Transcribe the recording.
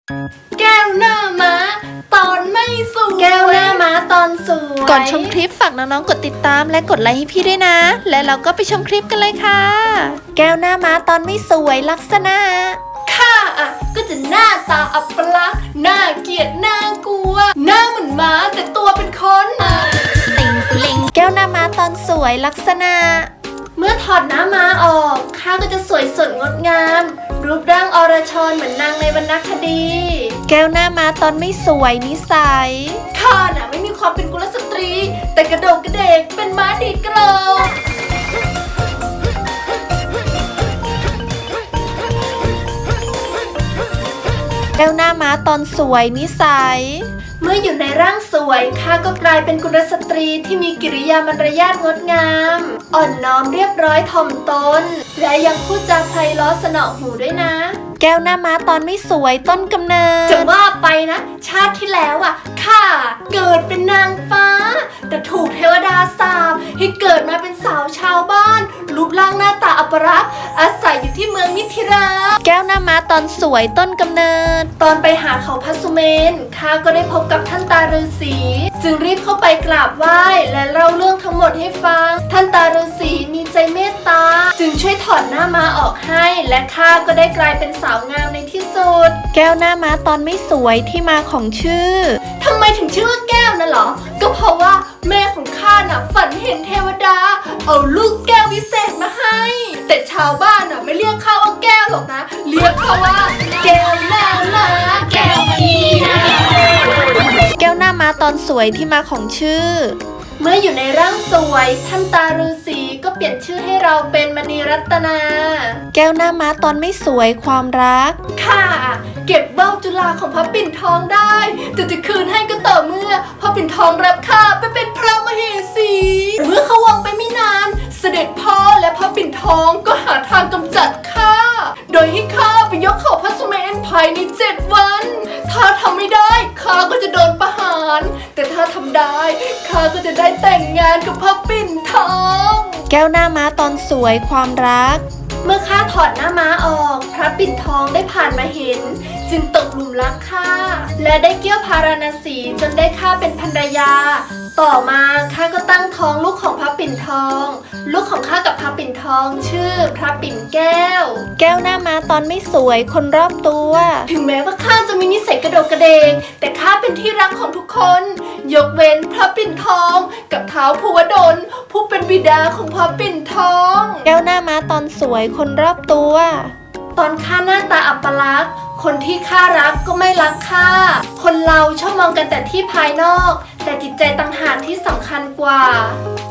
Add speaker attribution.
Speaker 1: แก้วหน้าม้าตอนไม่สวยแก้วหน้าม้าตอนสวย
Speaker 2: ก่อนชมคลิปฝากน้องๆกดติดตามและกดไลค์ให้พี่ด้วยนะและเราก็ไปชมคลิปกันเลยค่ะแก้วหน้าม้าตอนไม่สวยลักษณะ
Speaker 1: ข้าก็จะหน้าตาอัปลักษณ์น่าเกลียดน่ากลัวหน้าเหมือนม้าแต่ตัวเป็นคน
Speaker 2: ติงกุลิงแก้วหน้าม้าตอนสวยลักษณะ
Speaker 1: เมื่อถอดหน้าม้าออกข้าก็จะสวยสดงดงามรูปร่างอรชรเหมือนนางในวรรณคดี
Speaker 2: แก้วหน้าม้าตอนไม่สวยนิสัย
Speaker 1: ข้าไม่มีความเป็นกุลสตรีแต่กระโดดกระเดกเป็นม้าดีดกรอง
Speaker 2: แก้วหน้าม้าตอนสวยนิสัย
Speaker 1: เมื่ออยู่ในร่างสวยข้าก็กลายเป็นกุลสตรีที่มีกิริยามารยาทงดงามอ่อนน้อมเรียบร้อยถ่อมตนและยังพูดจาไพเราะสนอหูด้วยนะ
Speaker 2: แก้วหน้าม้าตอนไม่สวยต้นกำเนิด
Speaker 1: จะว่าไปนะชาติที่แล้วข้าเกิดเป็นนางฟ้าแต่ถูกเทวดาสาปให้เกิดมาเป็นสาวชาวบ้านรูปร่างหน้าตาอัปลักษณ์อาศัยอยู่ที่เมืองมิถิรา
Speaker 2: แก้วหน้าม้าตอนสวยต้นกำเนิด
Speaker 1: ตอนไปหาเขาพระสุเมนข้าก็ได้พบกับท่านตาฤาษีจึงรีบเข้าไปกราบไหว้และเล่าเรื่องทั้งหมดให้ฟังท่านตาฤาษีมีใจเมตตาจึงช่วยถอดหน้าม้าออกให้และข้าก็ได้กลายเป็นสาวงามในที่สุด
Speaker 2: แก้วหน้าม้าตอนไม่สวยที่มาของชื่อ
Speaker 1: ทำไมถึงชื่อว่าแก้วน่ะเหรอก็เพราะว่าแม่ของข้าฝันเห็นเทวดาเอาลูกแก้ววิเศษมาให้แต่ชาวบ้านไม่เรียกข้าว่าแก้วหรอกนะเรียกข้าว่าแก้วหน้าม้าแก้วมีนา
Speaker 2: แก้วหน้าม้าตอนสวยที่มาของชื่อ
Speaker 1: เมื่ออยู่ในร่างสวยท่านตาฤาษีก็เปลี่ยนชื่อให้เราเป็นมณีรัตนา
Speaker 2: แก้วหน้าม้าตอนไม่สวยความรัก
Speaker 1: ค่ะเก็บเบ้าจุฬาของพระปิ่นทองได้แต่จะคืนให้ก็ต่อเมื่อพระปิ่นทองรับข้าไปเป็นพระมเหสีเมื่อเขาวังไปไม่นานเสด็จพ่อและพระปิ่นทองก็หาทางกำจัดข้าโดยให้ข้าไปยกเขาพระสุเมนภายใน7 วันถ้าทำไม่ได้ข้าก็จะโดนประหารแต่ถ้าทำได้ข้าก็จะได้แต่งงานกับพระปิ่นทอง
Speaker 2: แก้วหน้าม้าตอนสวยความรัก
Speaker 1: เมื่อข้าถอดหน้าม้าออกพระปิ่นทองได้ผ่านมาเห็นจึงตกหลุมรักข้าและได้เกี่ยวพาราณสีจนได้ข้าเป็นภรรยาต่อมาข้าก็ตั้งท้องลูกของพระปิ่นทองลูกของข้ากับพระปิ่นทองชื่อพระปิ่นแก้ว
Speaker 2: แก้วหน้าม้าตอนไม่สวยคนรอบตัว
Speaker 1: ถึงแม้ว่าข้าจะมีนิสัยกระโดดกระเดงแต่ข้าเป็นที่รักของทุกคนยกเว้นพระปิ่นทองกับท้าวภูวดลผู้เป็นบิดาของพระปิ่นทอง
Speaker 2: แก้วหน้าม้าตอนสวยคนรอบตัว
Speaker 1: ตอนข้าหน้าตาอัปลักษณ์คนที่ข้ารักก็ไม่รักข้าคนเราชอบมองกันแต่ที่ภายนอกแต่จิตใจต่างหากที่สำคัญกว่า